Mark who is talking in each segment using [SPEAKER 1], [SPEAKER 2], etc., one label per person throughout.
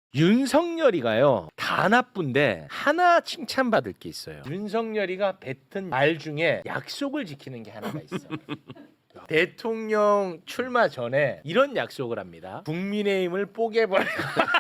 [SPEAKER 1] 윤석열이가요 다 나쁜데 하나 칭찬받을 게 있어요. 윤석열이가 뱉은 말 중에 약속을 지키는 게 하나가 있어. 대통령 출마 전에 이런 약속을 합니다. 국민의힘을 뽀개버리고.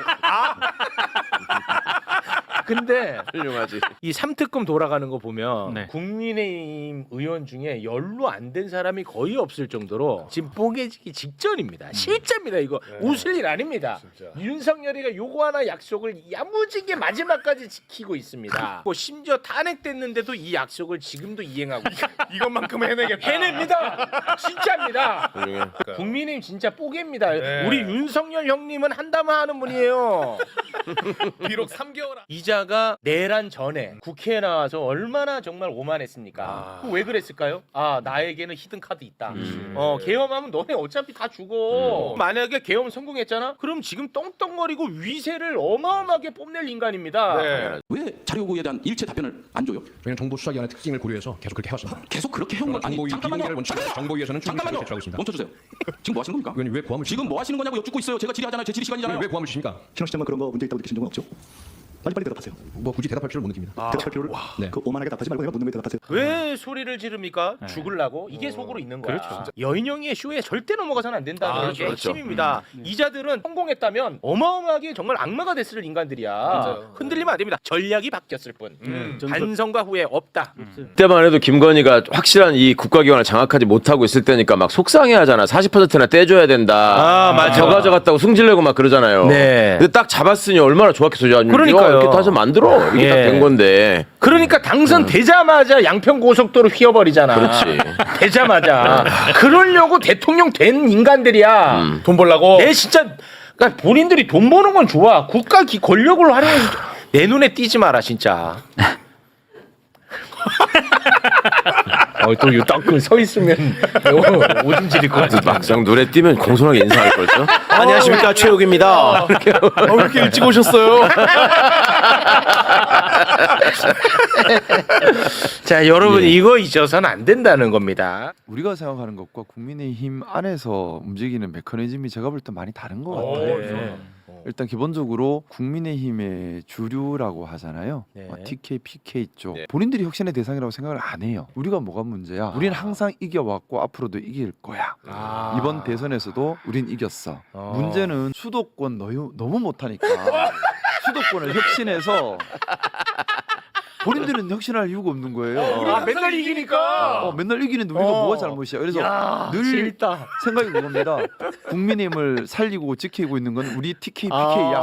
[SPEAKER 1] 근데
[SPEAKER 2] 훌륭하지.
[SPEAKER 1] 이 3특검 돌아가는 거 보면
[SPEAKER 3] 네.
[SPEAKER 1] 국민의힘 의원 중에 연루 안 된 사람이 거의 없을 정도로 지금 뽀개지기 직전입니다. 실제입니다. 이거 웃을 일 아닙니다.
[SPEAKER 4] 진짜.
[SPEAKER 1] 윤석열이가 요거 하나 약속을 야무지게 마지막까지 지키고 있습니다. 뭐 심지어 탄핵됐는데도 이 약속을 지금도 이행하고 있어요.
[SPEAKER 4] 이것만큼 해내겠다.
[SPEAKER 1] 해냅니다. 진짜입니다.
[SPEAKER 2] 훌륭해.
[SPEAKER 1] 국민의힘 진짜 뽀개입니다.
[SPEAKER 4] 네.
[SPEAKER 1] 우리 윤석열 형님은 한다만 하는 분이에요.
[SPEAKER 4] 비록 3개월
[SPEAKER 1] 이자가 내란 전에 국회에 나와서 얼마나 정말 오만했습니까? 왜 그랬을까요? 아 나에게는 히든 카드 있다. 계엄하면 너네 어차피 다 죽어. 만약에 계엄 성공했잖아? 그럼 지금 떵떵거리고 위세를 어마어마하게 뽐낼 인간입니다.
[SPEAKER 4] 네.
[SPEAKER 5] 왜 자료 요구에 대한 일체 답변을 안 줘요?
[SPEAKER 6] 저희는 정부 수사기관의 특징을 고려해서 계속 그렇게 해왔습니다.
[SPEAKER 5] 계속 그렇게 해온 건 아니
[SPEAKER 6] 정보위
[SPEAKER 5] 잠깐만요.
[SPEAKER 6] 비공개를 원칙으로 정보위에서는 충분히
[SPEAKER 5] 잠깐만요.
[SPEAKER 6] 제출하고 있습니다.
[SPEAKER 5] 멈춰주세요. 지금 뭐 하시는 겁니까?
[SPEAKER 6] 의원님 왜 고함을
[SPEAKER 5] 지금 뭐 하시는 거냐고 여쭙고 있어요. 제가 질의하잖아요. 제 질의 시간이잖아요.
[SPEAKER 6] 왜 고함을 주십니까?
[SPEAKER 7] 신원 시장만 그런 거 문제 있다고 느끼신 적은 없죠? 빨리빨리 대답하세요.
[SPEAKER 6] 뭐 굳이 대답할 필요를 못 느낍니다.
[SPEAKER 7] 대답할 필요를
[SPEAKER 6] 네.
[SPEAKER 7] 그 오만하게 답하지 말고 그냥 묻는 거 대답하세요.
[SPEAKER 1] 왜 소리를 지릅니까? 죽을라고? 이게 속으로 있는 거야. 여인영이의 쇼에 절대 넘어가서는 안 된다는 게
[SPEAKER 2] 그렇죠.
[SPEAKER 1] 핵심입니다. 이자들은 성공했다면 어마어마하게 정말 악마가 됐을 인간들이야. 흔들리면 안 됩니다. 전략이 바뀌었을 뿐. 반성과 후회 없다.
[SPEAKER 2] 그때만 해도 김건희가 확실한 이 국가기관을 장악하지 못하고 있을 때니까 막 속상해하잖아. 40%나 떼줘야 된다.
[SPEAKER 1] 아, 맞아.
[SPEAKER 2] 저 가져갔다고 승질내고 막 그러잖아요.
[SPEAKER 1] 네.
[SPEAKER 2] 근데 딱 잡았으니 얼마나 좋았겠어요.
[SPEAKER 1] 그러니까요.
[SPEAKER 2] 이렇게 다서 만들어. 이게
[SPEAKER 1] 예.
[SPEAKER 2] 딱 된 건데.
[SPEAKER 1] 그러니까 당선되자마자 양평고속도로 휘어버리잖아.
[SPEAKER 2] 그렇지.
[SPEAKER 1] 되자마자. 그러려고 대통령 된 인간들이야.
[SPEAKER 4] 돈 벌라고.
[SPEAKER 1] 내 진짜 그러니까 본인들이 돈 버는 건 좋아. 국가 권력을 활용해서 내 눈에 띄지 마라 진짜. 또딱서 있으면 오줌 지릴 것 같아.
[SPEAKER 2] 막상 눈에 띄면 공손하게 인사할 걸죠. 안녕하십니까 최욱입니다.
[SPEAKER 4] 왜 이렇게 일찍 오셨어요?
[SPEAKER 1] 자 여러분 이거 잊어서는 안 된다는 겁니다.
[SPEAKER 8] 우리가 생각하는 것과 국민의힘 안에서 움직이는 메커니즘이 제가 볼 때 많이 다른 것 같아요. 일단 기본적으로 국민의힘의 주류라고 하잖아요.
[SPEAKER 1] 네.
[SPEAKER 8] TK, PK 쪽 본인들이 혁신의 대상이라고 생각을 안 해요. 우리가 뭐가 문제야? 우리는 항상 이겨왔고 앞으로도 이길 거야. 이번 대선에서도 우린 이겼어. 문제는 수도권 너무 못하니까 수도권을 혁신해서 본인들은 혁신할 이유가 없는 거예요.
[SPEAKER 1] 맨날 이기니까.
[SPEAKER 8] 맨날 이기는데 우리가 뭐가 잘못이야. 그래서 늘
[SPEAKER 1] 재밌다.
[SPEAKER 8] 생각이 그겁니다. 국민의힘을 살리고 지키고 있는 건 우리 TK, PK야.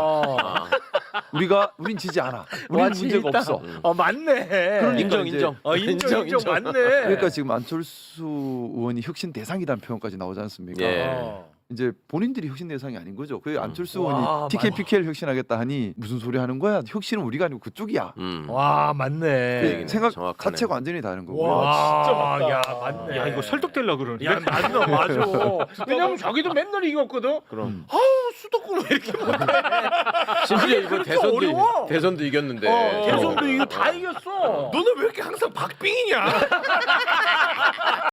[SPEAKER 8] 우린 지지 않아. 우리는 문제가 없어.
[SPEAKER 1] 맞네.
[SPEAKER 8] 그러니까
[SPEAKER 2] 인정
[SPEAKER 8] 이제-
[SPEAKER 2] 인정.
[SPEAKER 1] 인정 맞네.
[SPEAKER 8] 그러니까 지금 안철수 의원이 혁신 대상이라는 표현까지 나오지 않습니까?
[SPEAKER 2] 예.
[SPEAKER 8] 이제 본인들이 혁신 대상이 아닌 거죠. 그 안철수
[SPEAKER 1] 와,
[SPEAKER 8] 의원이 TK, PK를 혁신하겠다 하니 무슨 소리 하는 거야? 혁신은 우리가 아니고 그쪽이야.
[SPEAKER 1] 와 맞네.
[SPEAKER 8] 그 생각
[SPEAKER 2] 정확하네.
[SPEAKER 8] 자체가 완전히 다른 거고요.
[SPEAKER 1] 와 진짜 맞다. 야 맞네.
[SPEAKER 3] 야 이거 설득되려 그러네.
[SPEAKER 1] 야 맞아. 왜냐면 자기도 맨날 이겼거든.
[SPEAKER 2] 그럼.
[SPEAKER 1] 아우 수도권 왜 이렇게 못해?
[SPEAKER 2] 심지어 이번
[SPEAKER 1] 그렇게 어려워.
[SPEAKER 2] 대선도 이겼는데.
[SPEAKER 1] 대선도 이거 다 이겼어.
[SPEAKER 4] 너는 왜 이렇게 항상 박빙이냐?